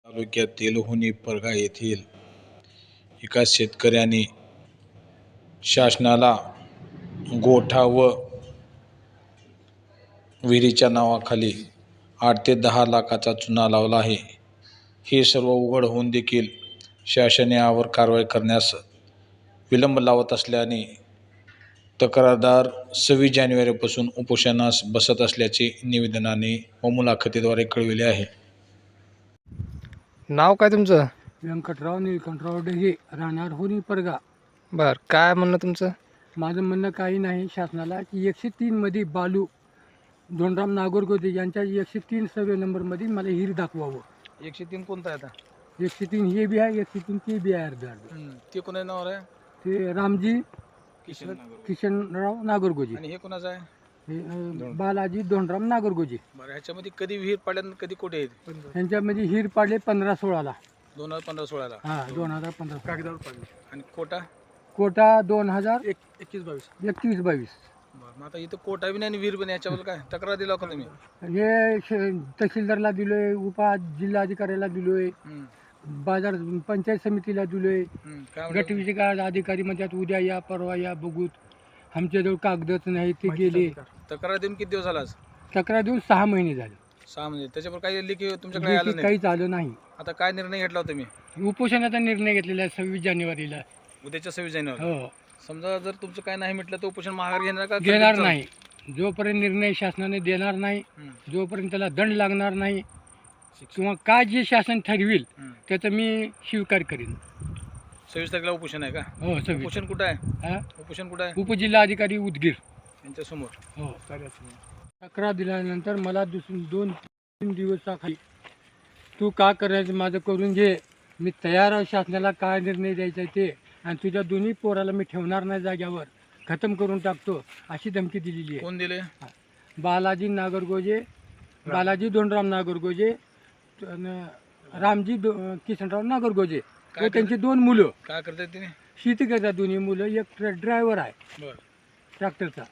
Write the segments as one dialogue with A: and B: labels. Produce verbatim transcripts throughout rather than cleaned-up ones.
A: तालुक्यातील हुनी परगा येथील एका शेतकऱ्याने शासनाला गोठा व विहिरीच्या नावाखाली आठ ते दहा लाखाचा चुना लावला आहे. हे सर्व उघड होऊन देखील शासन यावर कारवाई करण्यास विलंब लावत असल्याने तक्रारदार सव्वीस जानेवारीपासून उपोषणास बसत असल्याचे निवेदनाने व मुलाखतीद्वारे कळविले आहे.
B: नाव काय तुमचं?
C: व्यंकटराव निळकंठराव डहे, राहणार हुनी परगा.
B: बर, काय म्हणणं तुमचं?
C: माझं म्हणणं काही नाही शासनाला की एकशे तीनमध्ये बालू धोंडराम नागोरगोदे यांच्या एकशे तीन सर्वे नंबरमध्ये मला हिर दाखवावं.
B: एकशे तीन कोणता आहे आता?
C: एकशे तीन हे बी आहे, एकशे तीन ते बी आहे अर्ध अर्ध.
B: ते कोणा नावावर आहे?
C: ते रामजी
B: किशन
C: किशनराव नागोरगोजे
B: आणि हे कोणाचं आहे?
C: हे अं, बालाजी धोंडराम नागोरगोजे.
B: बरं, ह्याच्यामध्ये कधी विहीर पाडल्यानं कधी कोठे आहेत?
C: यांच्यामध्ये हिर पाडले पंधरा सोळाला.
B: दोन हजार पंधरा सोळाला
C: हा दोन हजार पंधरा
B: कागदावर पाडले. आणि कोटा
C: कोटा दोन हजार
B: एक एकवीस बावीस.
C: एकवीस बावीस.
B: बरं, मग आता इथं कोटा बी नाही आणि विहीर बी नाही, याच्यावर काय तक्रार दिला का तुम्ही?
C: हे श- तहसीलदारला दिलोय, उपा जिल्हाधिकाऱ्याला दिलोय,
B: हम्म,
C: बाजार पंचायत समितीला दिलोय.
B: हम्म, काय म्हणलं?
C: गटविषयक अधिकारी म्हणतात उद्या या परवा या बघूत. आमच्याजवळ कागदच नाही, ते गेले.
B: तक्रार देऊन किती दिवस झाला?
C: तक्रार देऊन सहा महिने झाले.
B: सहा म्हणजे त्याच्यावर काही लेखी तुमच्याकडे आलं
C: लेखी
B: नाही?
C: काहीच आलं नाही.
B: आता काय निर्णय घेतला तुम्ही
C: उपोषणाचा निर्णय घेतलेला आहे सव्वीस जानेवारीला.
B: उद्याच्या सव्वीस जानेवारी?
C: हो,
B: समजा जर तुमचं काय नाही म्हटलं तर उपोषण माघार घेणार का?
C: घेणार नाही. जोपर्यंत निर्णय शासनाने देणार नाही,
B: हम्म,
C: जोपर्यंत त्याला दंड लागणार नाही किंवा काय जे शासन ठरविल
B: हम्म.
C: त्याचं मी स्वीकार करीन.
B: सव्वीस तारखेला उपोषण आहे का?
C: हो सव्वीस.
B: उपोषण कुठं आहे?
C: हा
B: उपोषण कुठं आहे?
C: उपजिल्हाधिकारी उदगीर.
B: यांच्या समोर.
C: हो. तक्रार दिल्यानंतर मला दुसरी दोन तीन दिवसाखाली तू का करायचं माझं करून घे, मी तयार आहे शासनाला काय निर्णय द्यायचा आहे ते, आणि तुझ्या दोन्ही पोराला मी ठेवणार नाही जाग्यावर, खतम करून टाकतो अशी धमकी दिलेली आहे.
B: कोण दिले?
C: बालाजी नागरगोजे, बालाजी धोंडराम नागरगोजे, अन रामजी दो किशनराव नागरगोजे
B: काय
C: व त्यांची दोन मुलं.
B: काय करतात तिने?
C: शेती करतात दोन्ही मुलं. एक ड्रायव्हर आहे
B: बर,
C: ट्रॅक्टरचा.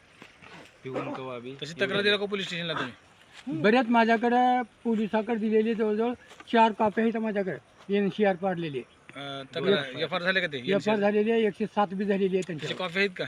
B: तशी तक्रार दिला का पोलीस स्टेशनला तुम्ही?
C: बऱ्याच माझ्याकडे पोलिसाकडे दिलेले जवळजवळ चार कॉप्या आहेत माझ्याकडे एन सी आर पाडलेले.
B: अं, तक्रार एफ आर झाले का ते?
C: एफ आर झालेली आहे, एकशे सात बी झालेली आहे
B: त्याची
C: त्यांच्या.
B: कॉफी आहेत का?